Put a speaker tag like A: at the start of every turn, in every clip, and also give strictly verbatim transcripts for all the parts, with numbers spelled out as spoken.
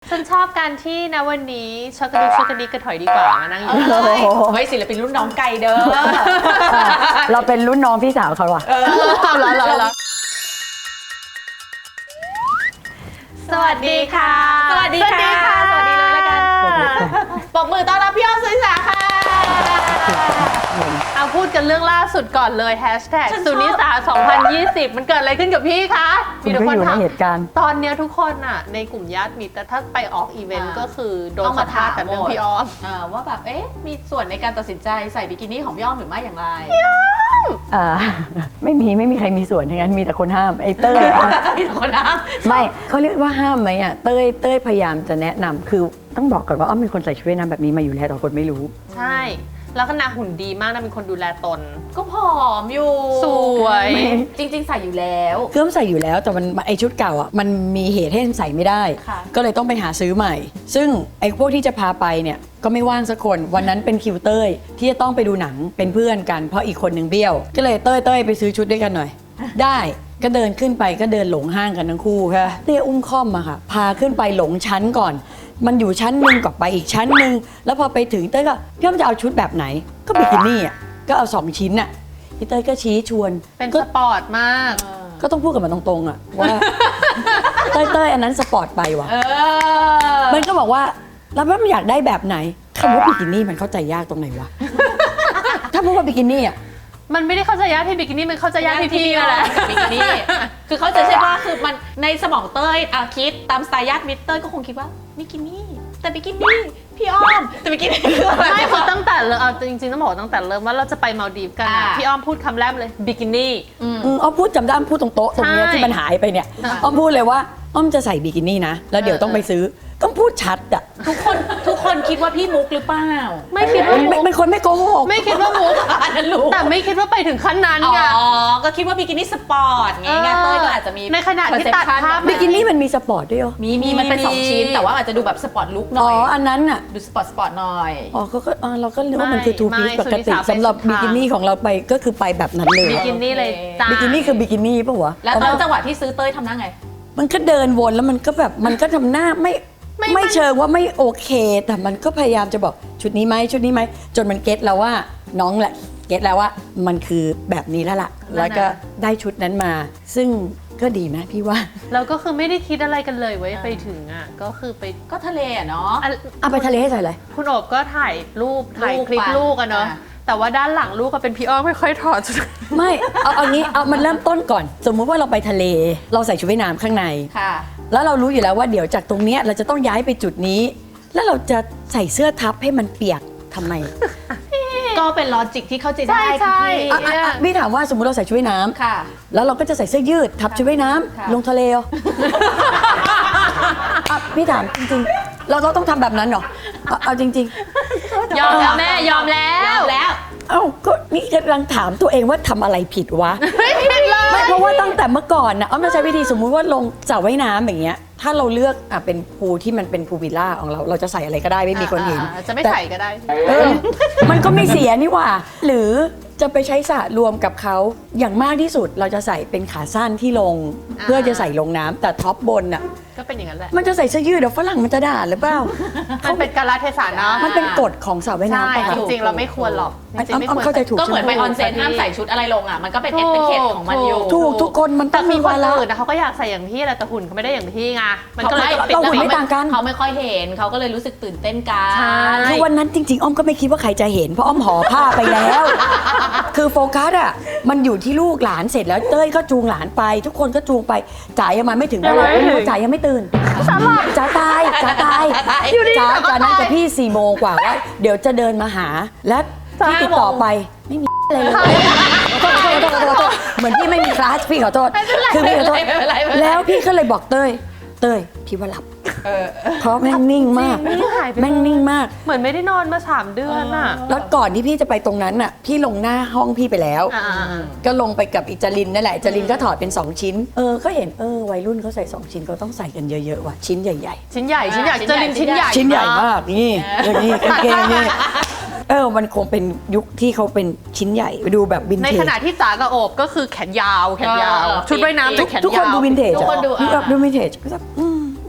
A: ฉันชอบการที่นะวันนี้ช็อกโกแลตช็อกโกแลตกระถอยดีกว่ามานั่งอยู่
B: เฮ้ยศิลปินรุ่นน้องไกลเด้อ
C: เราเป็นรุ่นน้องพี่สาวเขาว่ะ
A: เอาละเอาละสวัสดีค่ะ
B: สวัสดีค่ะสวัสดีเลยละกันปรบมือต้อนรับพี่อ้อมสุนิสาค่ะ
A: เอาพูดกันเรื่องล่าสุดก่อนเลยแฮชแท็กสุนิสาสองพันยี่สิบมันเกิดอะไรขึ้นกับพี่คะ
C: มีทุกคนถามเหตุการณ์
A: ตอนนี้ทุกคนอ่ะในกลุ่มญาติมิตรแต่ถ้าไปออกอีเวนต์ก็คือโดนสัมภาษณ์แต่เรื่องพี่อ้อม
B: ว่าแบบเอ๊ะมีส่วนในการตัดสินใจใส่บิกินี่ของพี่อ้อมหรือไม่อย่างไร
C: อ่าไม่มีไม่มีใครมีส่วนทั้งนั้นมีแต่คนห้ามไอ้เต้ย
B: มีแต่คนห้าม
C: ไม่เขาเรียกว่าห้ามไหมอ่ะเต้ยเต้ยพยายามจะแนะนำคือต้องบอกก่อนว่าอ้อมเป็นคนใส่ชุดว่ายน้ำแบบนี้มาอยู่แล้วแต่คนไม่รู้
A: ใช่แล้วก็นางหุ่นดีมากนะเป็นคนดูแลตน
B: ก็ผอมอยู่
A: สวย
B: จริงๆใส่อยู่แล้ว
C: เครื่องใส่อยู่แล้วแต่มันไอชุดเก่าอ่ะมันมีเหตุให้ใส่ไม่ได้ก็เลยต้องไปหาซื้อใหม่ซึ่งไอพวกที่จะพาไปเนี่ยก็ไม่ว่างสักคนวันนั้นเป็นคิวเต้ยที่จะต้องไปดูหนังเป็นเพื่อนกันเพราะอีกคนหนึ่งเบี้ยวก็เลยเต้ยเต้ยไปซื้อชุดด้วยกันหน่อยได้ก็เดินขึ้นไปก็เดินหลงห้างกันทั้งคู่ค่ะเต้ยอุ้มค่อมมาค่ะพาขึ้นไปหลงชั้นก่อนมันอยู่ชั้นหนึ่งก็ไปอีกชั้นหนึ่งแล้วพอไปถึงเต้ยก็พี่อ้อมจะเอาชุดแบบไหนก็บิกินี่อ่ะก็เอาสองชิ้นอ่ะพี่เต้ยก็ชี้ชวน
A: เป็นสปอร์ตมาก
C: ก็ต้องพูดกับมันตรงๆอ่ะว่าเต้ยเต้ยอันนั้นสปอร์ตไปว่ะมันก็บอกว่าแล้วมันอยากได้แบบไหนคำว่าบิกินี่มันเข้าใจยากตรงไหนวะถ้าพูดว่าบิกินี่อ่ะ
A: มันไม่ได้เข้าใจยากที่บิกินี่มันเข้าใจยากที่พี่นั่นแหละ
B: บิกินี่คือเขาจะใช่ว่าคือมันในสมองเต้ยอ่ะคิดตามสไตล์ญาติมิตรเต้ยก็คงคิดว่าบิกินี่แต่บิกินี่พี่อ้อมแต่บิกินี่
A: ไม่คือตั้งแต่เลยเอาจริงๆต้องบอกตั้งแต่เริ่มว่าเราจะไปมาลดีฟกันพี่อ้อมพูดคำแรกเลยบิกินี่
C: อ้อมพูดจำได้อ้อมพูดตรงโต๊ะตรงนี้ที่มันหายไปเนี่ยอ้อมพูดเลยว่าอ้อมจะใส่บิกินี่นะแล้วเดี๋ยวต้องไปซื้อต้องพูดชัดอะ
B: ทุกคนทุกคนคิดว่าพี่มุกหรือเปล่า
A: ไม่คิดว่า
C: เป็นคนไม่โกหก
A: ไม่คิดว่ามุกแต่ไม่คิดว่าไปถึงขั้นนั้นไง
B: อ๋อก็คิดว่าบิกินี่สปอร์ตไงเต้ยก็อาจจะมี
A: ในขณะที่ตัดภาพ
C: บิกินี่มันมีสปอร์ตด้วยเหรอ
B: มีมีมันเป็นสองชิ้นแต่ว่าอาจจะดูแบบสปอร์ตลุคหน่อย
C: อ๋ออันนั้นอะ
B: ดูสปอร์ตสปอร์ตหน่อย
C: อ๋อก็เราก็เรียกว่ามันคือทูพีซปกติสำหรับบิกินี่ของเราไปก็คือไปแบบนั้นเลย
A: บิกินี่เลยจ้า
C: บิกินี่คือบิกินี่ป่ะวะ
B: แล้วตอนจังหวะที่ซื้อเต้ยทำหน้าไง
C: มันก็เดินวนแล้วมันก็แบบมันก็ทำหน้าไม่ไม่เชิงว่าไม่โอเคแต่มันก็พยายามจะบอกชุดนี้ไหมชุดนี้ไหมจนมันเก็ตแล้วว่าน้องแหละเก็ตแล้วว่ามันคือแบบนี้แล้วล่ะแล้วก็ได้ชุดนั้นมาซึ่งก็ดีนะพี่ว่า
A: เราก็คือไม่ได้คิดอะไรกันเลยไว้ไปถึงอ่ะก็คือไป
B: ก็ทะเลอ่ะเนาะ
C: เอาไปทะเลให้ใส่อะไร
A: คุณโอบก็ถ่ายรูปถ่ายคลิปลูกอะเนาะแต่ว่าด้านหลังลูกก็เป็นพี่อ้อมค่อยๆถอดชุด
C: ไม่เอาเอางี้เอามันเริ่มต้นก่อนสมมุติว่าเราไปทะเลเราใส่ชุดว่ายน้ำข้างใน
B: ค่ะ
C: แล้วเรารู้อยู่แล้วว่าเดี๋ยวจากตรงนี้เราจะต้องย้ายไปจุดนี้แล้วเราจะใส่เสื้อทับให้มันเปียกทำไม
B: ก็เป็นลอจิกที่เข้าใจได้
A: ใช่
C: พี่ถามว่าสมมุติเราใส่ชุดว่ายน้ำ
B: ค่ะ
C: แล้วเราก็จะใส่เสื้อยืดทับชุดว่ายน้ำลงทะเลพี่ถามจริงๆเราต้องทำแบบนั้นเหรอเอาจริง
A: ๆยอมแล้วแม่ยอมแล้ว
B: แล้ว
C: เอ้าก็นี่กำลังถามตัวเองว่าทำอะไรผิดวะ
A: ไม่ผิดเลย
C: ไม่เพราะว่าตั้งแต่เมื่อก่อนนะอ้อมจะใช้วิธีสมมุติว่าลงสระว่ายน้ำอย่างเงี้ยถ้าเราเลือกอ่ะเป็นพูลที่มันเป็นพูลวิลล่าของเราเราจะใส่อะไรก็ได้ไม่มีคนเห็น
A: จะไม่ใส่ก็ได้
C: เออมันก็ไม่เสียนี่หว่าหรือจะไปใช้สระรวมกับเขาอย่างมากที่สุดเราจะใส่เป็นขาสั้นที่ลงเพื่อจะใส่ลงน้ำแต่ท็อปบนอ่ะ
A: ก็เป็นอย่างนั้นแหละ
C: มันจะใส่เสื้อยืดเดี๋ยวฝรั่งมันจะด่าหรือเปล่า
A: มันเป็นกาลเทศะเนาะ
C: มันเป็นกฎของสระว่ายน้ำ
A: ป่ะจริงๆเราไม่ควรหรอก
C: จริงๆไม่ควร
B: ก็เหมือนไปออนเซ็นห้ามใส่ชุดอะไรลงอ่ะมันก็เป็นเอติเคทของมันอยู่
C: ถูกทุกคนมันต้องมี
A: วาระนะเขาก็อยากใส่อย่างพี่แหละแต่หุ่นเขาไม่ได้อย่างพี่ไง
C: มันก็เลยปิดหุ่นไม่ต่างกัน
B: เขาไม่ค่อยเห็นเขาก็เลยรู้สึกตื่นเต้นกัน
C: คือวันนั้นจริงๆอ้อมก็ไม่คิดว่าใครจะเห็นเพราะอ้อมห่อผ้าไปแล้วคือโฟกัสอ่ะมันอยู่ที่ลูกหลานเสร็จแล้วเต้ยก็จูงหลานไปทุกคนก็จูงไปจ๋ายังมาไม่ถึงเวลาจ๋ายังไม่ตื่นจ๋าตายจ๋าตายจ๋าจ๋านั่งกับพี่สี่โมงกว่าว่าเดี๋ยวจะเดินมาหาและพี่ติดต่อไปไม่มีอะไรเลยขอโทษขอโทษขอโทษขอโทษเหมือนพี่ไม่มีคลาสพี่ขอโทษคือพี่ขอโทษแล้วพี่ก็เลยบอกเต้ยเต้ยพี่ว่าหลับเพราะแม่งนิ่งมากแม่งนิ่งมาก
A: เหมือนไม่ได้นอนมาสามเดือนอ่ะ
C: แล้วก่อนที่พี่จะไปตรงนั้นน่ะพี่ลงหน้าห้องพี่ไปแล้วก็ลงไปกับอิจารินนั่นแหละอิจารินก็ถอดเป็นสองชิ้นเออก็เห็นเออวัยรุ่นเขาใส่สองชิ้นเขาต้องใส่กันเยอะๆว่ะชิ้นใหญ่
A: ๆชิ้นใหญ่ชิ้นใหญ่อิจารินชิ้นใหญ่
C: ชิ้นใหญ่มากนี่อย่างนี้กางเกงนี่เออมันคงเป็นยุคที่เขาเป็นชิ้นใหญ่ไปดูแบบวินเทจ
A: ในขณะที่จ๋ากับโอบก็คือแขนยาวแขนยาวชุดว่ายน้ำเป็นแขนยาว
C: ทุกคนดูวินเทจทุกคนดูดูวินเทจก็แบบ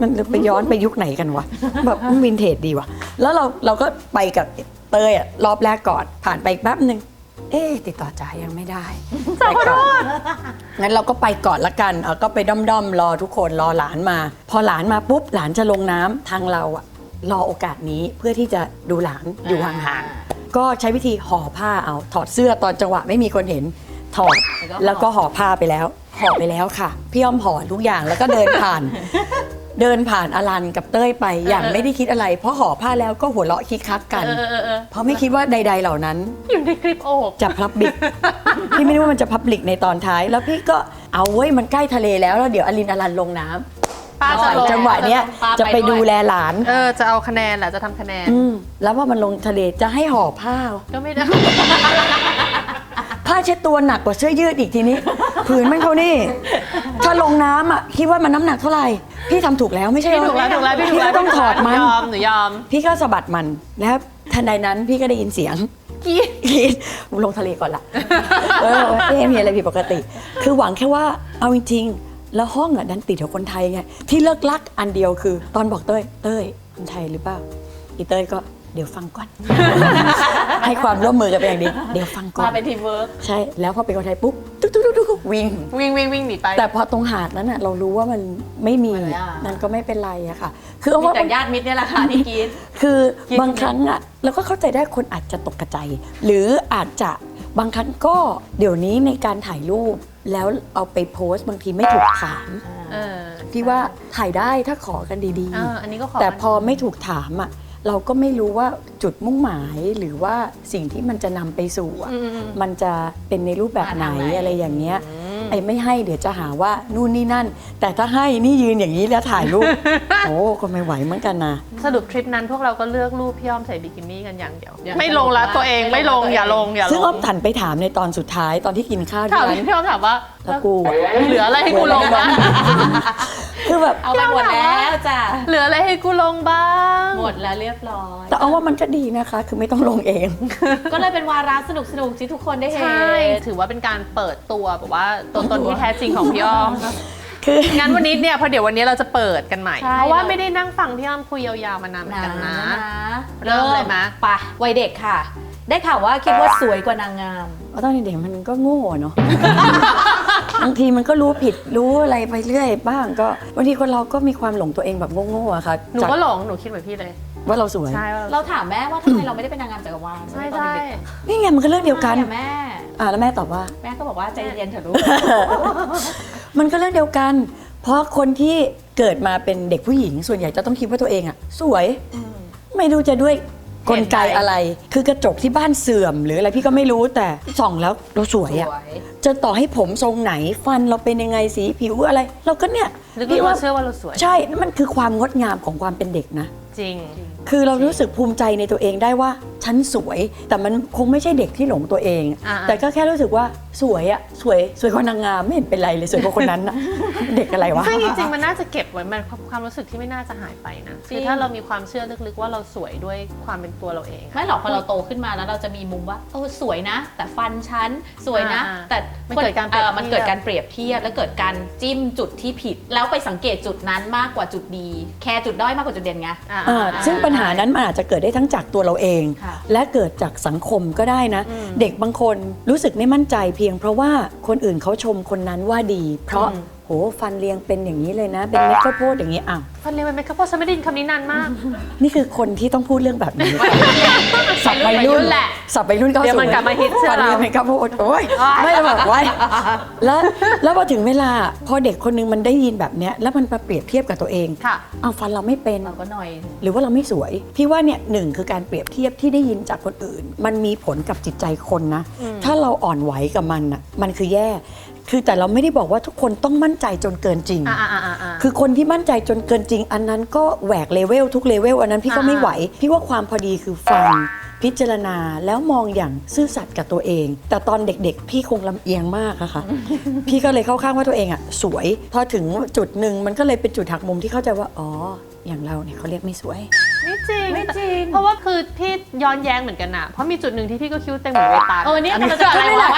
C: มันไปย้อนไปยุคไหนกันวะแบบมันวินเทจดีว่ะแล้วเราเราก็ไปกับเตยอะรอบแรกก่อนผ่านไปแป๊บหนึ่งเอ๊ะติดต่อจ๋ายังไม่ได้ไปก่อนงั้นเราก็ไปก่อนละกันเอาก็ไปด้อมๆรอทุกคนรอหลานมา พอหลานมาปุ๊บหลานจะลงน้ำทางเราอะรอโอกาสนี้เพื่อที่จะดูหลานอยู่ห่างๆก็ใช้วิธีห่อผ้าเอาถอดเสื้อตอนจังหวะไม่มีคนเห็นถอดแล้วก็ห่อผ้าไปแล้วห่อไปแล้วค่ะพี่อ้อมห่อทุกอย่างแล้วก็เดินผ่าน เดินผ่านอลันกับเต้ยไปอย่างไม่ได้คิดอะไร เพราะห่อผ้าแล้วก็หัวเราะคิกคักกัน
A: เออเออเออ
C: เพราะไม่คิดว่าใด ๆ เหล่านั้น
A: อยู่ในคลิปโอบ
C: จะพับลิก พี่ไม่รู้ว่ามันจะพับลิกในตอนท้าย แล้วพี่ก็เอาเว้ยมันใกล้ทะเลแล้วแล้วเดี๋ยวอลินอลันลงน้ำ
A: ป้าจะลง
C: จังหวะเนี้ยจะไปดูแลหลาน
A: เออจะเอาคะแนนแหละจะทำคะแนน
C: อืมแล้วพอมันลงทะเลจะให้ห่อผ้า
A: ก็ไม่ได้
C: ผ้าเช็ดตัวหนักกว่าเสื้อยืดอีกทีนี้ ผืนมันเขานี่ ถ้าลงน้ำอ่ะคิดว่ามันน้ำหนักเท่าไหร่ พี่ทำถูกแล้วไม่ใช่
A: พี่ถูกแล้วถูกแล้วพี่ถูกแล้ว
C: ก็ต้องถอดมัน
A: ยอมหนูยอม
C: พี่ก็สะบัดมันแล้วทันใดนั้นพี่ก็ได้ยินเสียง
A: กี้
C: กรีดลงทะเลก่อนละเออเอ๊ะมีอะไรผิดปกติ คือหวังแค่ว่าเอาจริงๆแล้วห้องอ่ะดันติดกับคนไทยไงที่เลิกลักอันเดียวคือ ตอนบอกเต้ยเต้ยคนไทยหรือเปล่าอีเต้ยก็เดี๋ยวฟังก่อน ให้ความร่วมมือกันเป็นอย่างดีเดี๋ยวฟังก่อน
B: มาเป็นทีมเวิร์ก
C: ใช่แล้วพอเป็นคนไทยปุ๊บตุ๊กตุ๊กตุ๊กตุ๊กวิ่ง
A: วิ่งวิ่งวิ่งหนีไป
C: แต่พอตรงหาดนั้นอ่ะเรารู้ว่ามันไม่มี
B: ไม่อ่ะ
C: นั่นก็ไม่เป็นไรอะค่ะ คือเอา
B: มี
C: ว่า
B: แต่ญาติมิตรเนี่ยแหละค่ะที่กิน
C: คือ
B: คิด
C: บางครั้งอ่ะเราก็เข้าใจได้คนอาจจะตกกระใจ หรืออาจจะบางครั้งก็เดี๋ยวนี้ในการถ่ายรูป แล้วเอาไปโพสต์บางทีไม่ถูกถาม
A: เออ
C: พี่ว่าถ่ายได้ถ้าขอกันดี
A: เอออันนี้ก็ขอ
C: ๆ แต่พอไม่ถูกถามอ่ะเราก็ไม่รู้ว่าจุดมุ่งหมายหรือว่าสิ่งที่มันจะนำไปสู่อะ
A: อืมอืม
C: มันจะเป็นในรูปแบบไหน
B: มาทางไหน
C: อะไรอย่างเงี้ย
A: อืม
C: ไอ้ไม่ให้เดี๋ยวจะหาว่านู่นนี่นั่น แต่ถ้าให้นี่ยืนอย่างนี้แล้วถ่ายรู ป โอ้ก็ไม่ไหวเหมือนกันนะ
A: สรุปทริปนั้นพวกเราก็เลือกรูปพี่อ้อมใส่บิกินี่กันอย่างเดียว
B: อย่าง
A: ไม่ลงละตัวเองไม่ลงอย่าลงอย่าลง
C: ซึ่งอ้อมถันไปถามในตอนสุดท้ายตอนที่กินข้าวที่
A: ถาม
C: ร้าน
A: พี่อ้อมถามว่า
C: แล้วกูอะ
A: เหลืออะไรให้กูลงบ้าง
C: คือแบบ
B: เอาไปหมดแล้วจ้ะ
A: เหลืออะไรให้กูลงบ้าง
B: หมดแล้วเรียบร้อย
C: แต่เอาว่ามันก็ดีนะคะ คือไม่ต้องลงเอง
B: ก็เลยเป็นวาระสนุกสนุกๆที่ทุกคนได้เห็น
A: ใช่ ถือว่าเป็นการเปิดตัวแบบว่าตัวตนที่แท้จริงของพี่อ้อม
C: คือ
A: งั้นวันนี้เนี่ยพอเดี๋ยววันนี้เราจะเปิดกันใหม่
B: ใช่
A: เพราะว่าไม่ได้นั่งฟังพี่อ้อมคุยยาวๆมานานเหมือนกันนะ เริ่มเลยมะ
B: ไปวัยเด็กค่ะ ได้ข่าวว่าคิดว่าสวยกว่านางงาม
C: เพราะตอนเด็กๆมันก็โง่เนาะ บางทีมันก็รู้ผิดรู้อะไรไปเรื่อยบ้างก็บางทีคนเราก็มีความหลงตัวเองแบบโง่ๆอะค่ะ
A: หนู
C: จาก
A: ก็หลง หนูคิดเหมือนพี่เลย
C: ว่าเราสวย
A: ใช่ว่า
B: เราถามแม่ว่าทำไมเราไม่ได้เป็นนางงามจักรวาล
A: ใช่
B: ตอน
A: ใช่
B: เด็ก
C: นี่ไงมันก็เรื่อง
B: ๆ
C: เดียวกัน
B: ใช่อะแม่
C: อ่าแล้วแม่ตอบว่า
B: แม่ก็บอกว่าใจเย็นๆเถอะลูก
C: มันก็เรื่องเดียวกัน เพราะคนที่เกิดมาเป็นเด็กผู้หญิง ส่วนใหญ่จะต้องคิดว่าตัวเองอะสวย ไม่รู้จะด้วยกลไกอะไร คือกระจกที่บ้านเสื่อม หรืออะไรพี่ก็ไม่รู้แต่ส่องแล้วเราสวยอะ
B: สวย
C: จะต่อให้ผมทรงไหนฟันเราเป็นยังไงสีผิวอะไร เราก็เนี่ย
A: ลึก
C: พี่
A: ๆ
C: ว่า
A: เราเชื่อว่าเราสวย
C: ใช่นั่นมันคือความงดงามของความเป็นเด็กนะ
A: จริง
C: คือเรารู้สึกภูมิใจในตัวเองได้ว่าฉันสวย แต่มันคงไม่ใช่เด็กที่หลงตัวเอง
A: อ่า
C: แต่ก็แค่รู้สึกว่าสวยอะสวยสวยกว่านางงามไม่เห็นเป็นไรเลยสวยกว่าคนนั้นอะเด็กอะไรวะ
A: ซึ่งจริงๆ มันน่าจะเก็บไว้มันความรู้สึกที่ไม่น่าจะหายไปนะ
B: จริง
A: คือถ้าเรามีความเชื่อลึกๆว่าเราสวยด้วยความเป็นตัวเราเอง
B: ไม่หรอกพอเราโตขึ้นมาแล้วเราจะมีมุมว่าเออสวยนะ แต่ฟันฉันสวยนะ
A: อ่า
B: แต่
A: มันเกิดการเปรียบ
B: ออมันเกิด
A: เทียบ
B: การเปรียบเทียบแล้วเกิดการจิ้มจุดที่ผิด แล้วไปสังเกตจุดนั้นมากกว่าจุดดี แคร์จุดด้อยมากกว่าจุดเด่นไง
A: อ่า
C: อ่าซึ่งปัญหานั้นมันอาจจะเกิดได้ทั้งจากตัวเราเอง
B: ค่ะ
C: และเกิดจากสังคมก็ได้นะ
A: อืม
C: เด็กบางคนรู้สึกไม่มั่นใจเพียงเพราะว่าคนอื่นเขาชมคนนั้นว่าดี เพราะ
A: อืม
C: โหฟันเรียงเป็นอย่างนี้เลยนะ เป็นเม็ดข้าวโพดอย่างนี้อ้าว
A: ฟันเรียนมันไหมครับเพราะฉันไม่ได้ยินคำนี้นานมาก
C: นี่คือคนที่ต้องพูดเรื่องแบบนี้ สับวัย
A: วัยรุ่
C: รุ่น
A: นแหละ
C: สับวัยรุ่นเก้า
A: เดี๋ยว
C: ศู
A: มัน นกลับมาฮิตเชื่อ
C: ฟัน
A: เรา
C: เรียงเป็นข้าวโพดโอ้ยไม่ได้แบบไว้แล้วแล้วพอถึงเวลาพอเด็กคนนึงมันได้ยินแบบเนี้ยแล้วมันมาเปรียบเทียบกับตัวเอง
A: ค่ะ
C: เอาฟันเราไม่เป็น
B: เราก็หน่อย
C: หรือว่าเราไม่สวย พี่ว่าเนี่ยหนึ่งคือการเปรียบเทียบที่ได้ยินจากคนอื่น มันมีผลกับจิตใจคนนะ
A: อืม
C: ถ้าเราอ่อนไหวกับมันอ่ะมันคือแย่ คือแต่เราไม่ได้บอกว่าทุกคนต้องมั่นใจจนเกินจริง
A: อ่าอ่าอ่าอ่า
C: คือคนที่มั่นใจจนเกินจริง อันนั้นก็แหวกเลเวลทุกเลเวลอันนั้นพี่ก็
A: อ่า
C: ไม่ไหว พี่ว่าความพอดีคือฟังพิจารณาแล้วมองอย่างซื่อสัตย์กับตัวเอง แต่ตอนเด็กๆ พี่คงลำเอียงมากอะค่ะ พี่ก็เลยเข้าข้างว่าตัวเองอะสวย พอถึงจุดหนึ่งมันก็เลยเป็นจุดหักมุมที่เข้าใจว่าอ๋ออย่างเราเนี่ยเขาเรียกไม่สวย
A: ไม่จริง
B: ไม่จริง
A: เพราะว่าคือพี่ย้อนแย้งเหมือนกันอะเพราะมีจุดหนึ่งที่พี่ก็คิ้วเต็มเหมือนเวตาล
B: เออเนี่ย
A: อั
B: มันจะอะไรวะจาก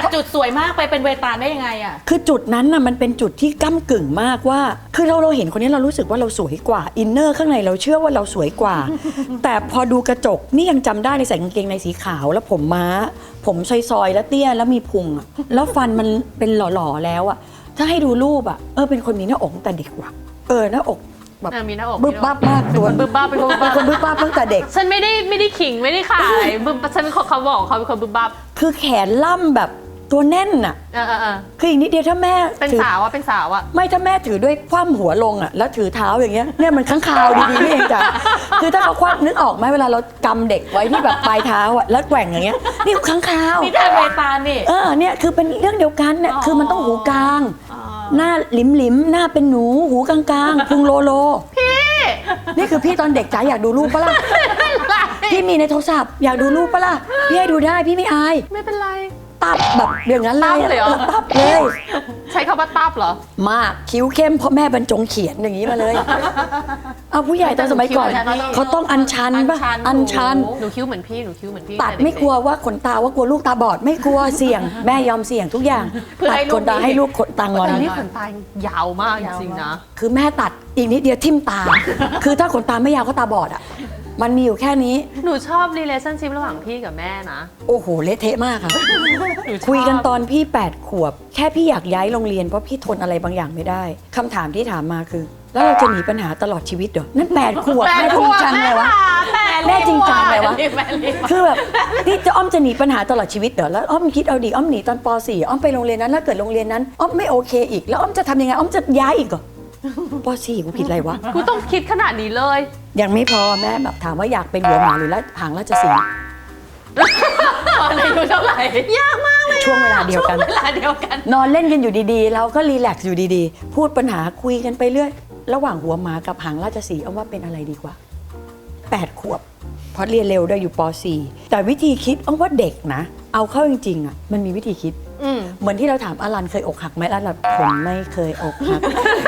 B: จุดสวยมากไปเป็นเวตาลได้ยังไงอ่ะ
C: คือจุดนั้นน่ะมันเป็นจุดที่ก้ากึ่งมากว่า คือเราเราเห็นคนนี้เรารู้สึกว่าเราสวยกว่าอินเนอร์ข้างในเราเชื่อว่าเราสวยกว่า แต่พอดูกระจกนี่ยังจำได้ในใส่กางเกงในสีขาวแล้วผมม้า ผมซอยๆแล้วเตี้ยแล้วมีพุงอะแล้วฟันมันเป็นหล่อๆแล้วอะถ้าให้ดูรูปอะเออเป็นคนมีหน้าอกตั้งแต่เด็กว่ะเออหน้าอกแบบ
A: เออมีหน้าอก
C: บึ้บบ้าบมากตัว
A: บึ้บบ้าเป็นคนบึ้บ
C: เป็น
A: บ้า
C: คนบึ้บบ้าบตั้งแต่เด็ก
A: ฉันไม่ได้ไม่ได้ขิงไม่ได้ขายบึ้บฉันเป็นคนเขาบอกเขาเป็นคนบึ้บบ้า
C: คือแขนล่ำแบบตัวแน่นอะ
A: เออเออเออ
C: คืออีกนิดเดียวถ้าแม่
A: เป็น
C: ถือ
A: สาวอะเป็นสาวอะ
C: ไม่ถ้าแม่ถือด้วยคว่ำหัวลงอ่ะแล้วถือเท้าอย่างเงี้ยเนี่ยมันข้างคาวดีๆนี่เองจ้ะคือถ้าเขาคว่ำนึกออกไหมเวลาเรากำเด็กไว้ที่แบบปลายเท้าอ่ะแล้วแกว่งอย่างเงี้ยนี่ข้างคาว
B: นี่แทนเวตาลนี่
C: เออเนี่ยคือเป็นเรื่องเดียวกันเนี่ย
B: อ๋อ
C: คือมันต้องหูกลาง
B: อ๋อ
C: หน้าหลิมหลิมๆหน้าเป็นหนูหูกลางๆพุงโลโลพี่นี่คือพี่ตอนเด็กจ๋าอยากดูรูปปะล่ะพี่มีในโทรศัพท์อยากดูรูปปะล่ะพี่ให้ดูได้พี่ไม่อาย
A: ไม่เป็นไร
C: ตับแบบอย่างนั้นเลย
A: ตับเลยเหรอ
C: ออตับเลย
A: ใช้คำว่าตับเหรอ
C: มากคิ้วเข้มเพราะแม่บรรจงเขียนอย่างนี้มาเลย เอาผู้ใหญ่ตอนสมัยก่อน
A: คิ้วเหมือนกัน
C: เขาต้องอัญชันป่ะอัญชัน
A: หนูคิ้วเหมือนพี่หนูคิ้วเหมือนพี่
C: ตัด
A: แต่เกๆ
C: ไม่กลัวว่าขนตาว่ากลัวลูกตาบอดไม่กลัวเสี่ยง แม่ยอมเสี่ยงทุกอย่าง
B: เพื่อ
C: ตัด
B: ให้ลู
C: ข
B: ก
C: นตา
B: ดี
C: ให้ลูกขนตางอน
A: แต่นี่ขนตายาวมากจริงๆนะ
C: คือแม่ตัดอีกนิดเดียวทิ่มตา คือถ้าขนตาไม่ยาวก็ตาบอดอ่ะมันมีอยู่แค่นี้
A: หนูชอบ relationship ระหว่างพี่กับแม่นะ
C: โอ้โหเละเทะมากค่ะ
A: หนูชอบ
C: คุยกันตอนพี่แปดขวบ แค่พี่อยากย้ายโรงเรียนเพราะพี่ทนอะไรบางอย่างไม่ได้คำถามที่ถามมาคือ แล้วเราจะหนีปัญหาตลอดชีวิตเหรอนั่นแปดขวบ
A: แป
C: แม่
A: ด
C: จ
A: ข
C: ริง
A: วบ
C: จังเลยวะ
A: แม่
C: แม่จริงจังเลยวะ
B: แม่รีบมา
C: คือแบบนี่จะอ้อมจะหนีปัญหาตลอดชีวิตเหรอแล้วอ้อมคิดเอาดิอ้อมหนีตอนป .สี่ อ้อมไปโรงเรียนนั้นแล้วเกิดโรงเรียนนั้นอ้อมไม่โอเคอีกแล้วอ้อมจะทำยังไงอ้อมจะย้ายอีกเหรอป .สี่ กูผิดอะไรวะ
A: กูต้องคิดขนาดนี้เลย
C: ยังไม่พอแม่แบบถามว่าอยากเป็นหัวหมาหรือละหางราชสีห์
B: ตอนอายุเท่าไหร่
A: ยากมากเลย
C: ช่วงเวลาเดียวกัน
B: เวลาเดียวกัน
C: นอนเล่นกันอยู่ดีๆ เราก็รีแลกซ์อยู่ดีๆ พูดปัญหาคุยกันไปเรื่อยระหว่างหัวหมากับหางราชสีห์เอาว่าเป็นอะไรดีกว่าแปดขวบเพราะเรียนเร็วด้วยอยู่ป .สี่ แต่วิธีคิดเอาว่าเด็กนะ เอาเข้าจริงๆอ่ะมันมีวิธีคิด
A: อืม
C: เหมือนที่เราถามอลันเคยอกหักไหมอลันผมไม่เคยอกหัก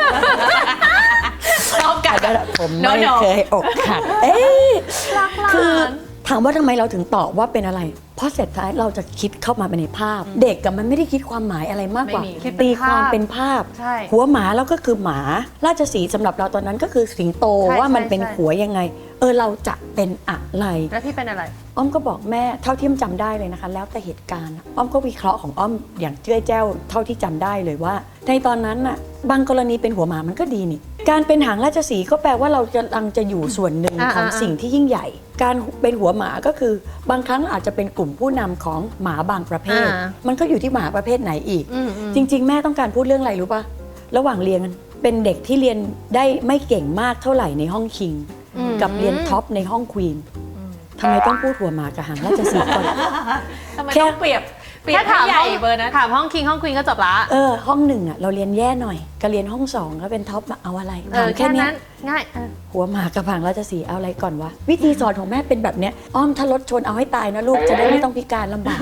B: ชอบกัน
C: อลันผมไม่
B: No, no
C: เคยอกหักเอ้ย
A: รักหลาน
C: คือถามว่าทำไมเราถึงตอบว่าเป็นอะไร เพราะเสร็จท้ายเราจะคิดเข้ามาในภาพ เด็กกับมันไม่ได้คิดความหมายอะไรมากกว่า
B: ไม่มี
A: คิดเป็น
C: ตีความ
A: ภาพ
C: เป็นภาพ
A: ใช่
C: หัวหมาแล้วก็คือหมาราชสีห์สำหรับเราตอนนั้นก็คือสิงโต
A: ใช่
C: ว่ามัน
A: ใช่
C: เป็น
A: ใช่
C: หัวยังไง เออเราจะเป็นอะไร
A: แล้วพี่เป็นอะไร
C: อ้อมก็บอกแม่เท่าที่อ้อมจำได้เลยนะคะ แล้วแต่เหตุการณ์อ้อมก็วิเคราะห์ของอ้อมอย่างเจ้ยแจ้วเท่าที่จำได้เลยว่า ในตอนนั้นน่ะบางกรณีเป็นหัวหมามันก็ดีนี่การเป็นหางราชสีห์ก็แปลว่าเราจะกำลังจะอยู่ส่วนหนึ่ง
A: อ่า
C: ของ
A: อ่า
C: สิ่งที่ยิ่งใหญ่ การเป็นหัวหมาก็คือบางครั้งอาจจะเป็นกลุ่มผู้นำของหมาบางประเภท
A: อ่า
C: มันก็อยู่ที่หมาประเภทไหนอีก
A: อืมอืม
C: จริง ๆ แม่ต้องการพูดเรื่องอะไรรู้ป่ะระหว่างเรียนเป็นเด็กที่เรียนได้ไม่เก่งมากเท่าไหร่ในห้องคิง
A: อืม
C: กับเรียนท็อปในห้องควีนทำไมต้องพูดหัวหมากับหางราชสีห์ก่อน
B: ทำไม
C: แค่
B: ต้องเปรียบเปรีย
A: แค่
B: บ
A: ถาม
B: ให้ให
A: ห้
B: ญ่
A: อง
B: เบอร์นั้น
A: ถามห้องคิงห้องควีนก็จบละ
C: เออห้องหนึ่งอ่ะเราเรียนแย่หน่อยก็เรียนห้องสองก็เป็นท็อปมาเอาอะไร
A: เอ
C: ถา
A: อ
C: ม
A: แค่
C: แค่เนี้
A: นั้
C: ย
A: นง่ายเออ
C: หัวหมากับหางราชสีห์เอาอะไรก่อนวะวิธีสอนของแม่เป็นแบบเนี้ยอ้อมถ้ารถชนเอาให้ตายนะลูกจะได้ไม่ต้องพิการลำบาก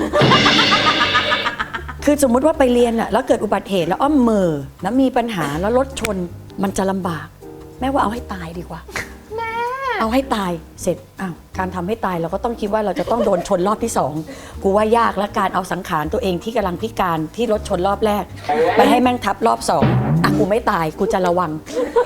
C: คือสมมุติว่าไปเรียนอ่ะแล้วเกิดอุบัติเหตุแล้วอ้อมเหมอแล้วมีปัญหาแล้วรถชนมันจะลำบาก แม่ว่าเอาให้ตายดีกว่าเอาให้ตายเสร็จอ้าวการทำให้ตายเราก็ต้องคิดว่าเราจะต้องโดนชนรอบที่สองกูว่ายากและการเอาสังขารตัวเองที่กำลังพิการที่รถชนรอบแรก ไปให้แม่งทับรอบสองอ่ะกูไม่ตายกูจะระวัง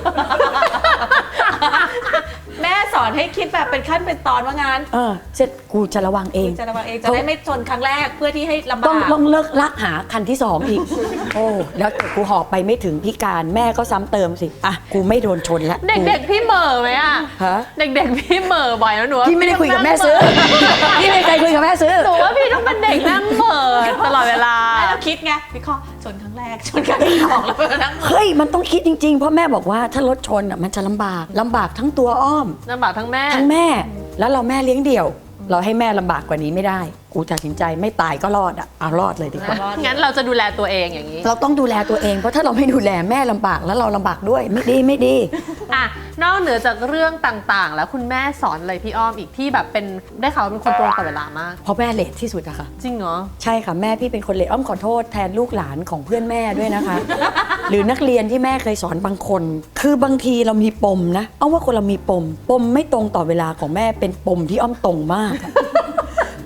B: แม่สอนให้คิดแบบเป็นขั้นเป็นตอนว่างั้น
C: เออเสร็จกูจะระวังเอง
B: จะระวังเองจะได้ไม่ชนครั้งแรกเพื่อที่ให้ลำบา
C: ต้อง
B: ก
C: ต้องเลิกลักหาคันที่สองอีก โอ้แล้วกูหอบไปไม่ถึงพิการแม่ก็ซ้ำเติมสิอ่ะกูไม่โดนชนแล้ว
A: เด็กๆพี่เหม่อไหมอ่ะ
C: ฮะ
A: เด็กๆพี่เหม่อบ่อยแล้วหนูว่า
C: พี่ไม่ได้คุยกับแม่ซื้อ พี่ไม่เคยคุยกับแม่ซื้อ
A: หนูว่าพี่ต้องเป็นเด็กนั่งเหม่อตลอดเวลา
B: ไม่เราคิดไงวิเคราะห์ชนครั้งแรกชนครั้งที่สองแล้วก็นั่ง
C: เฮ้ยมันต้องคิดจริงๆ เพราะแม่บอกว่าถ้ารถชนอ่ะมันจะลำบากลำบากทั้งตัวอ้อม
A: ลำบากทั้งแม่
C: ทั้งแม่ แล้วเราแม่เลี้ยงเดี่ยว เราให้แม่ลำบากกว่านี้ไม่ได้ กูตัดสินใจไม่ตายก็รอดอ่ะเอารอดเลยดีกว่า
A: งั้นเราจะดูแลตัวเองอย่างนี้
C: เราต้องดูแลตัวเองเพราะถ้าเราไม่ดูแลแม่ลำบากแล้วเราลำบากด้วยไม่ดีไม่ดี
A: อ่ะนอกเหนือจากเรื่องต่างๆ แล้วคุณแม่สอนอะไรพี่อ้อมอีกที่แบบเป็นได้ข่าวว่าเป็นคนตรงต่อเวลามาก
C: เพราะแม่เลทที่สุดอะค่ะ
A: จริงเหรอ
C: ใช่ค่ะแม่พี่เป็นคนเลทอ้อมขอโทษแทนลูกหลานของเพื่อนแม่ด้วยนะคะ หรือนักเรียนที่แม่เคยสอนบางคน คือบางทีเรามีปมนะอ้อมว่าคนเรามีปม ปมไม่ตรงต่อเวลาของแม่เป็นปมที่อ้อมตรงมากอะ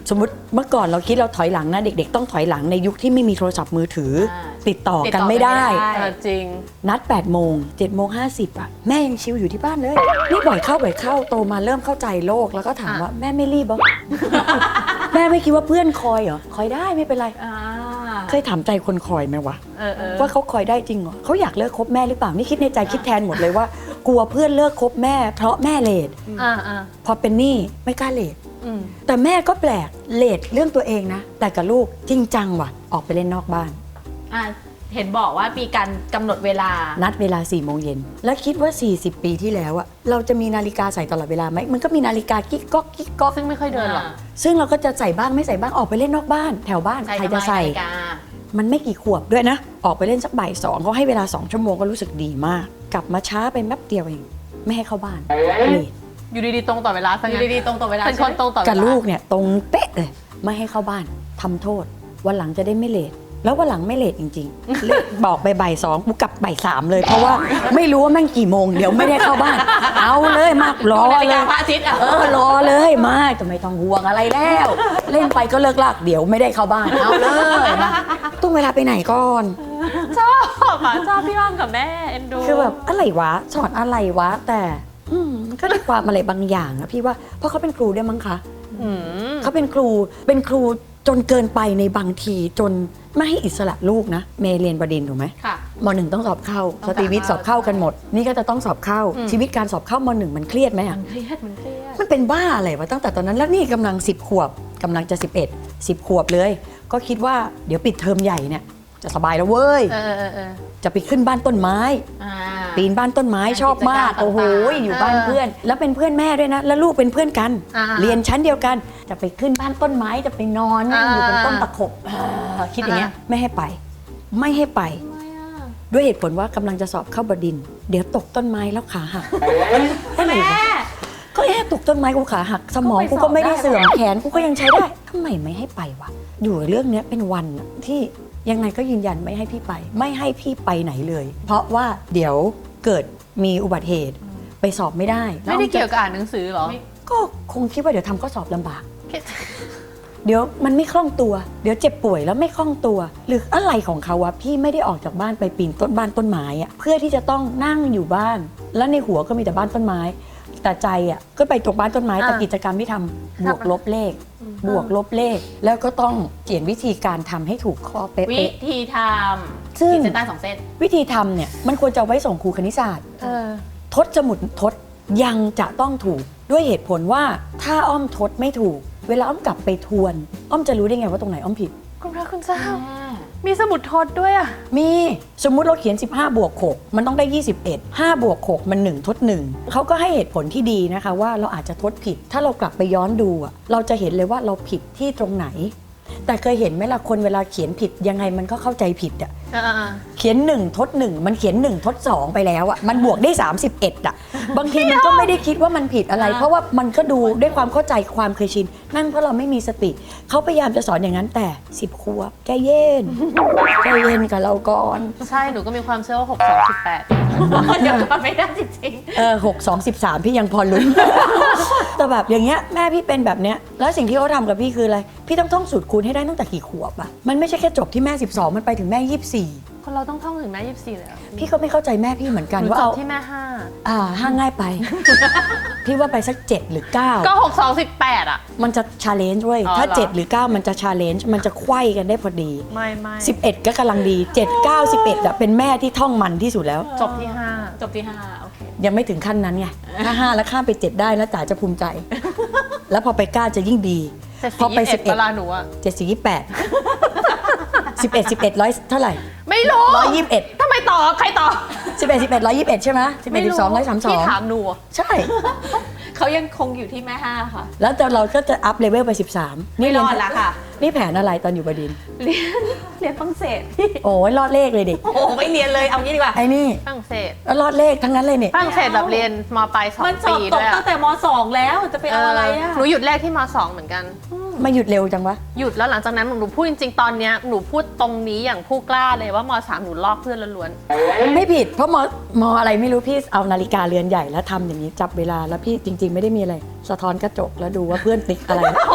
C: สมมติเมื่อก่อนเราคิดเราถอยหลังนะเด็กๆต้องถอยหลังในยุคที่ไม่มีโทรศัพท์มือถืออา ติดต่อกันไม่ได้
B: ติดต่อกันไม่ได้
A: เออจริง
C: นัดแปดโมงเจ็ดโมงห้าสิบอ่ะแม่ยังชิวอยู่ที่บ้านเลยนี่บ่อยเข้าบ่อยเข้าโตมาเริ่มเข้าใจโลกแล้วก็ถาม
A: อ่ะ
C: ว่าแม่ไม่รีบเหรอ แม่ไม่คิดว่าเพื่อนคอยเหรอคอยได้ไม่เป็นไร
B: อ่า
C: เคยถามใจคนคอยไหมวะ
A: เออเออ
C: ว่าเขาคอยได้จริงเหรอเขาอยากเลิกคบแม่หรือเปล่านี่คิดในใจคิดแทนหมดเลยว่า กลัวเพื่อนเลิกคบแม่เพราะแม่เลท
A: อ่าอ่า
C: พอเป็นหนี้ไม่กล้าเลท
A: อืม
C: แต่แม่ก็แปลกเลทเรื่องตัวเองนะ แต่กับลูกจริงจังว่ะออกไปเล่นนอกบ้าน
B: อ่าเห็นบอกว่ามีการกำหนดเวลา
C: นัดเวลาสี่โมงเย็นแล้วคิดว่า สี่สิบ ปีที่แล้วอะเราจะมีนาฬิกาใส่ตลอดเวลาไหมมันก็มีนาฬิกากิ๊กก๊อกกิ๊กก๊อก
A: ซึ่งไม่ค่อยเดินหรอก
C: ซึ่งเราก็จะใส่บ้างไม่ใส่บ้างออกไปเล่นนอกบ้าน แถวบ้าน
B: ใช่
C: ใครจะใส่
B: ทำไมนาฬิกา
C: มันไม่กี่ขวบด้วยนะ ออกไปเล่นสักบ่ายสองเขาให้เวลาสองชั่วโมงก็รู้สึกดีมาก กลับมาช้าไปแป๊บเดียวเองไม่ให้เข้าบ้านเลท
A: อยู่ดีๆตรงต่อเวลาซะ
B: อ
A: งั้
B: ยู่
A: น
B: ดีๆตรงต่อเวลา
A: เป็นคนตรงต่อเวลา
C: กับลูกเนี่ยตรงเป๊ะเลยไม่ให้เข้าบ้านทำโทษ วันหลังจะได้ไม่เลทแล้ววันหลังไม่เลทจริงๆ เลทบอกไปบ่ายสองกูกลับบ่ายสามเลย เพราะว่าไม่รู้ว่าแม่งกี่โมงเดี๋ยวไม่ได้เข้าบ้าน เอาเลยมากรอ
B: นาฬิ
C: เล
B: กาย พระอาทิตย์อ่ะ
C: เออรอเลยมากจะไม่ต้องห่วงอะไรแล้ว เล่นไปก็เลิกลากเดี๋ยวไม่ได้เข้าบ้านเอาเลยมาต้องเวลาไปไหนก่อน
A: ชอบอ่ะชอบพี่อ้อมกับแม่เอ็นดู
C: คือแบบอะไรวะสอนอะไรวะ แต่อืมมันก็ได้ความอะไรบางอย่างนะพี่ว่าเพราะเขาเป็นครูด้วยมั้งคะ
A: อืม
C: เขาเป็นครูเป็นครูจนเกินไปในบางทีจนไม่ให้อิสระลูกนะเมย์เรียนประดินถูกไหม
B: ค่ะ
C: มหนึ่งต้องสอบเข้า
B: ต้
C: ส
B: อง
C: ตรีวิทย์ส
B: ส
C: อ
B: อ
C: บบ เข้า
B: เข้า
C: กันหมด นี่ก็จะต้องสอบเข้า
A: อืม
C: ชีวิตการสอบเข้ามหนึ่งมันเครียดไหมอ่ะ
B: มันเครียดมันเครียด
C: มันเป็นบ้าอะไรวะตั้งแต่ตอนนั้นแล้วนี่กำลังสิบขวบกำลังจะสิบเอ็ด สิบขวบเลย ก็คิดว่าเดี๋ยวปิดเทอมใหญ่เนี่ยจะสบายแล้วเว้ย
A: เออเออเออ
C: จะไปขึ้นบ้านต้นไม้
B: อ่า
C: ปีนบ้านต้นไม้
B: งาน
C: ชอบมาก
B: กิจกรรม
C: โอ้โห
B: ต่างๆ
C: อยู่บ้าน
A: เออ
C: เพื่อน แล้วเป็นเพื่อนแม่ด้วยนะ แล้วลูกเป็นเพื่อนกัน
A: อ่า
C: เรียนชั้นเดียวกัน จะไปขึ้นบ้านต้นไม้จะไปนอนนั่งอยู่บนต้น
A: อ่า
C: ตะขบอ่าคิดอย่างเงี้ย
A: อ่า
C: ไม่ให้ไป ไม่ให้ไป
B: ทำไมอ่ะ
C: ด้วยเหตุผลว่ากำลังจะสอบเข้าบดินทร์เดี๋ยวตกต้นไม้แล้วขาหัก
B: แม่
C: ก็แค่ตกต้นไม้กูขาหักสมองกูก็ไม่ได้เสื่อมแขนกูก็ยังใช้ได้ทำไมไม่ให้ไปวะอยู่กับเรื่องเนี้ยเป็นวันอะที่ยังไงก็ยืนยันไม่ให้พี่ไป ไม่ให้พี่ไปไหนเลย เพราะว่าเดี๋ยวเกิดมีอุบัติเหตุไปสอบไม่ได้
A: ไม่ได้เกี่ยวกับอ่านหนังสือเหรอ
B: ไม่
C: ก็คงคิดว่าเดี๋ยวทำข้อสอบลำบาก เดี๋ยวมันไม่คล่องตัว เดี๋ยวเจ็บป่วยแล้วไม่คล่องตัว หรืออะไรของเขาวะพี่ไม่ได้ออกจากบ้านไปปีนต้นบ้านต้นไม้อะเพื่อที่จะต้องนั่งอยู่บ้าน แล้วในหัวก็มีแต่บ้านต้นไม้ แต่ใจอะก็ไปตรงบ้านต้นไม้แต่
A: อ่า
C: กิจกรรมที่ทำบวกลบเลข บวกลบเลข แล้วก็ต้องเขียนวิธีการทำให้ถูกข้อเป๊
B: วิ
C: ะ
B: ธีท
C: ซึ่
B: ำ
C: ง
B: ขีดเส้นใต้สองเส้น
C: ๆวิธีทำเนี่ยมันควรจะเอาไว้ส่งครูคณิตศาสตร์
A: เออ
C: ทดสมุดทดยังจะต้องถูกด้วยเหตุผลว่าถ้าอ้อมทดไม่ถูก เวลาอ้อมกลับไปทวน อ้อมจะรู้ได้ไงว่าตรงไหนอ้อมผิด
A: คุณพระคุณเจ้า มีสมุดทดด้วยอ่ะ
C: มีสมมุติเราเขียน สิบห้า บวก หก มันต้องได้ ยี่สิบเอ็ด ห้า บวก หก มัน หนึ่ง ทด หนึ่ง เขาก็ให้เหตุผลที่ดีนะคะว่าเราอาจจะทดผิด ถ้าเรากลับไปย้อนดูอะเราจะเห็นเลยว่าเราผิดที่ตรงไหน แต่เคยเห็นไหมล่ะคนเวลาเขียนผิดยังไงมันก็เข้าใจผิดอะ
A: อ่า
C: เขียนหนึ่งทดหนึ่งมันเขียนหนึ่งทดสองไปแล้วอะมันบวกได้สามสิบเอ็ดอะบางทีมันก็ไม่ได้คิดว่ามันผิดอะไร
B: อ่า
C: เพราะว่ามันก็ดูด้วยความเข้าใจความเคยชิน นั่นเพราะเราไม่มีสติ เขาพยายามจะสอนอย่างนั้นแต่สิบขวบใจเย็นใจเย็นกับเราก่อน
A: ใช่ หนูก็มีความเชื่อว่าหก สอง สิบแปด
B: เดี๋ยวทำไม่ได้จริง
C: เออหกสองสิบสามพี่ยังพอลุ้น แต่แบบอย่างเงี้ยแม่พี่เป็นแบบเนี้ยแล้วสิ่งที่เขาทำกับพี่คืออะไรพี่ต้องท่องสูตรคูณให้ได้ตั้งแต่กี่ขวบอะมันไม่ใช่แค่จบที่แม่สิบสองมันไปถึงแม่ยี่สิบสี่
A: คนเราต้องท่องถึงแม่ยี่สิบสี่เลยเหรอ
C: พี่ก็ไม่เข้าใจแม่พี่เหมือนกัน
A: หนู
C: ว่า
A: จบ
C: เอา
A: ที่แม่ห้า
C: อ่าห้าง่ายไป พี่ว่าไปสักเจ็ดหรือเก้า
A: ก็หก สอง สิบแปดอ่ะ
C: มันจะชาเลนจ์เว้ย
A: อ๋อ
C: ถ้า
A: เหรอ
C: เจ็ดหรือเก้ามันจะชาเลนจ์มันจะไขว้กันได้พอดี
A: ไม่ไม่
C: สิบเอ็ดก็กำลังดีเจ็ด เก้า สิบเอ็ดอะเป็นแม่ที่ท่องมันที่สุดแล้ว
A: จบที่ห้า
B: ๆ จบที่ห้าโอเค
C: ยังไม่ถึงขั้นนั้นไงถ้าห้าแล้วข้ามไปเจ็ดได้แล้วจ๋าจะภูมิใจ แล้วพอไปเก้าจะยิ่งดี
A: แต่
C: พอ
A: สี่
C: ไป
A: ยี่สิบ
C: สิ
A: เอ็
C: บ
A: ด
C: เอ็ด
A: เวลาหนูอ่ะ
C: เจ็ดสี่ยี่แปดสิบเอ็ดสิบเอ็ดร้อยเท่าไหร่
A: ไม่รู้
C: ร้อยยี่สิบเอ็ด
A: ทำไมต่อใครต่อ
C: สิบเอ็ดสิบเอ็ดร้อยยี่สิบเอ็ดใช่ไหมสิบเอ็ดสิบสองร้อยสามสอ
A: พี่
C: ง
A: ถามหนูอะ
C: ใช่
B: เขายังคงอยู่ที่แม่ห้าค่ะ
C: แล้วแต่เราก็จะอัพเลเวลไปสิบสาม
B: ไม่รอด
C: เยน
B: ละค่ะ
C: นี่แผนอะไรตอนอยู่บดินทร์
B: เรียนเรียนฝรั่งเศสพี่
C: โอ้ยรอดเลขเลยเด็ก
B: โอ้โหไม่เรียนเลยเอางี้ดีกว่า
C: ไอ้นี่
A: ฝรั่งเศส
C: แล้วรอดเลขทั้งนั้นเลยเนี่ย
A: ฝรั่งเศสแบบเรียนมปลายสอง
B: มันสอ
A: ปี
B: บต
A: ด้
B: ก
A: วยอะ
B: ตั้งแต่มสองแล้วจะไปเอาอะไรอ่ะ
A: หนูหยุดแรกที่มสองเหมือนกัน
C: มาหยุดเร็วจังวะ
A: หยุดแล้วหลังจากนั้นหนูพูดจริงๆ ตอนเนี้ยหนูพูดตรงนี้อย่างผู้กล้าเลยว่ามสามหนูลอกเพื่อนล้วน
C: ไม่ผิดเพราะมมอะไรไม่รู้พี่เอานาฬิกาเรือนใหญ่แล้วทำอย่างนี้จับเวลาแล้วพี่จริง ๆ ไม่ได้มีอะไร สะท้อนกระจกแล้วดูว่าเพื่อนติ๊กอะไร
B: โอ้โห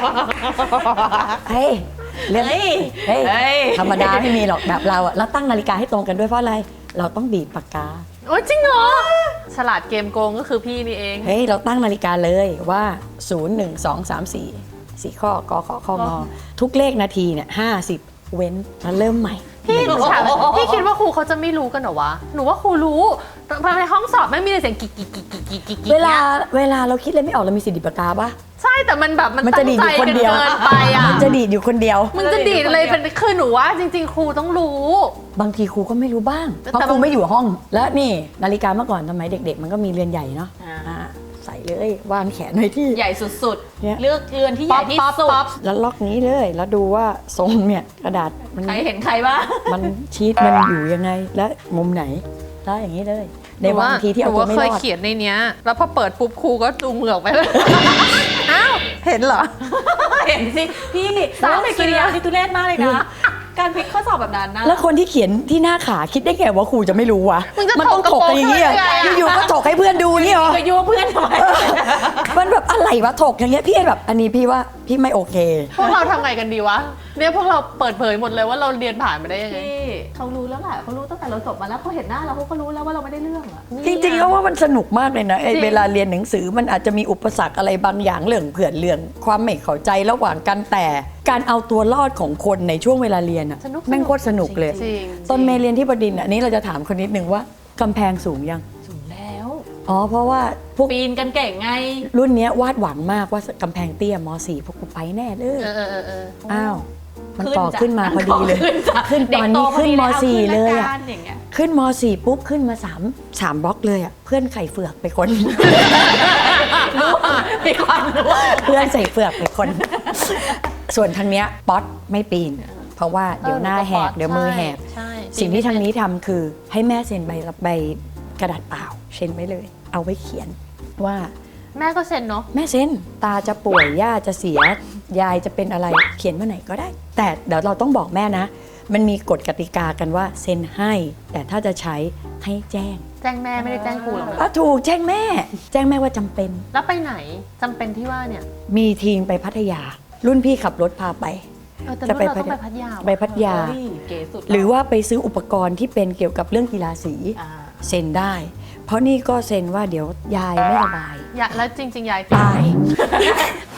C: เฮ้ยเรื่อง
B: เฮ้ย
C: เฮ้ย
B: เฮ้ย
C: ธรรมดาไม่มีหรอกแบบเราอะแล้วตั้งนาฬิกาให้ตรงกันด้วยเพราะอะไร เราต้องบีบปากกา
A: โอ้ยจริงเหรอ ฉลาดเกมโกงก็คือพี่นี่เอง
C: เฮ้ยเราตั้งนาฬิกาเลยว่าศูนย์ หนึ่ง สอง สาม สี่ สี่ข้อกอขอข้องอทุกเลขนาทีเนี่ยห้าสิบเว้นแล้วเริ่มใหม่
A: พี่หนูถามพี่คิดว่าครูเขาจะไม่รู้กันเหรอวะ หนูว่าครูรู้ภายในห้องสอบไม่มีเสียงกิ๊กกิ๊กกิ๊กกิ๊กกิ๊กกิ๊ก
C: เวลาเวลาเราคิดอะไรไม่ออกเรามีสิทธิ์ดิบปากกาปะ
A: ใช่แต่มันแบบมัน
C: มันจะ
A: ตั้ง
C: ดีด
A: ใจ
C: อยู่คน
A: กัน
C: เดียว
A: เกินไปอ่ะ
C: มันจะดีดอยู่คนเดียว
A: มึงจะดีดอะไรเป็นคือหนูว่าจริง ๆ ครูต้องรู้
C: บางทีครูก็ไม่รู้บ้าง
A: แต่
C: เพราะ
A: แต่
C: ครูไม่อยู่ห้อง แล้วนี่นาฬิกาเมื่อก่อนทำไมเด็ก ๆ มันก็มีเรือนใหญ่เนาะ
B: อ่า
C: อ่าใส่เลยวางแขนไว้ที่
B: ใหญ่สุด
C: เนี่ย
B: ๆ เลือกเรือนที่ใหญ่ที่
A: ป๊อป
B: สุด
A: ป๊อป
C: แล้วล็อกนี้เลยแล้วดูว่าทรงเนี่ยกระดาษมัน
B: ใครเห็นใครบ้าง
C: มันชีตมันอยู่ยังไงและมุมไหนได้อย่างนี้เลย ในบางทีที่เอา
A: หนู
C: ตัว
A: ว่า
C: ไม่
A: เค
C: ร
A: ย
C: อด
A: เขียนในเนี้ย แล้วพอเปิดปุ๊บครูก็จูงมือออกไปเลย อ้าว เห็นเหรอ
B: เห็นสิ พี่
A: สาม
B: แต่กิริยาที่ทุเรศมากเลยนะ การพลิกข้อสอบแบบนั้นนะ
C: แล้วคนที่เขียนที่หน้าขาคิดได้ไงว่าครูจะไม่รู้วะ
A: มึงจะ
C: มันต้อง
A: ถ
C: ถ
A: ก
C: ก
A: กระโปรง
C: กันอย่างนี้เหรอ
A: ได้ไงอะ
C: อยู่ๆก็ถกให้เพื่อนดูนี่เหรอ
B: ไปยั่วเพื่อนทำไม
C: มันแบบอะไรวะถกอย่างเงี้ยพี่แบบอันนี้พี่ว่าพี่ไม่โอเค
A: พวกเราทำไงกันดีวะ เนี่ยพวกเราเปิดเผยหมดเลยว่าเราเรียนผ่านมาได้ยังไง
B: พี่เขารู้แล้วแหละเขารู้ตั้งแต่เราจบมาแล้วเขาเห็นหน้าเราเขาก็รู้แล้วว่าเราไม่ได้เรื่องอะ
C: จริงๆก็ว่ามันสนุกมากเลยนะไอ้
A: จริง
C: เวลาเรียนหนังสือมันอาจจะมีอุปสรรคอะไรบางอย่างเรื่องเผื่อนเรื่องความไม่เข้าใจระหว่างกันแต่การเอาตัวรอดของคนในช่วงเวลาเรียนอะ
A: สนุก
C: แม่งโคตรสนุกเลย
A: จริง
C: ตอนเมย์เรียนที่บดินทร์อันนี้เราจะถามคนนิดนึงว่ากำแพงสูงยัง
B: สูงแล้ว
C: อ๋อเพราะว่าพวก
B: ปีนกันเก่งไง
C: รุ่นเนี้ยวาดหวังมากว่ากำแพงเตี้ยม สี่ พวกกูไปแน่เลย
A: เออเออเออเออ
C: อ้าวมัน
B: ขึ้น
C: ต่อ
B: จ้ะ
C: ขึ้นมาพอดีเลย
B: ขึ้นจ้ะ
C: ขึ้นตอนนี้
B: เด็กโตพอ
C: ขึ้น
B: ดี
C: ม
B: แล้ว
C: สี่
B: ขึ้น
C: เลย
B: ละ
C: อะ
B: กันอย่างเงี้ย
C: ขึ้นม สี่ปุ๊บขึ้นมาสามสามบล็อกเลยอะเพื่อนไข่เฟือกไปคน
B: รู้มีความรู้
C: เพื่อนใส่เฟือกไปคน ส่วนทางเนี้ยป๊อตไม่ปีน เพราะว่าเดี๋ยวหน้าแหกเดี๋ยวมือแหก
A: ใช่
C: สิ่งที่ทางนี้ทำคือให้แม่เซ็นใบรับใบกระดาษเปล่าเซ็นไว้เลย เอาไว้เขียนว่า
A: แม่ก็เซ็นเนาะ
C: แม่เซ็นตาจะป่วยย่าจะเสียยายจะเป็นอะไรเขียนเมื่อไหร่ก็ได้ แต่เดี๋ยวเราต้องบอกแม่นะ มันมีกฎกติกากันว่าเซ็นให้ แต่ถ้าจะใช้ให้แจ้ง
A: แจ้งแม่ไม่ได้แจ้งครูหรอกนะ
C: อ่ะถูกแจ้งแม่ แจ้งแม่ว่าจำเป็น
A: แล้วไปไหนจำเป็นที่ว่าเนี่ย
C: มีทีมไปพัทยา รุ่นพี่ขับรถพาไป
A: เออแต่
C: จะ
A: รุ่น
C: ไป
A: เราต้องไปพัทยา
C: ไปพัทยา
B: เฮ้ยเก๋สุด
C: หรือว่าไปซื้ออุปกรณ์ที่เป็นเกี่ยวกับเรื่องกีฬาสี
B: อ่า
C: เซ็นได้ เพราะนี่ก็เซ็นว่าเดี๋ยวยายไม่สบาย
A: อย่าแล้วจริง ๆ ยาย
C: ตาย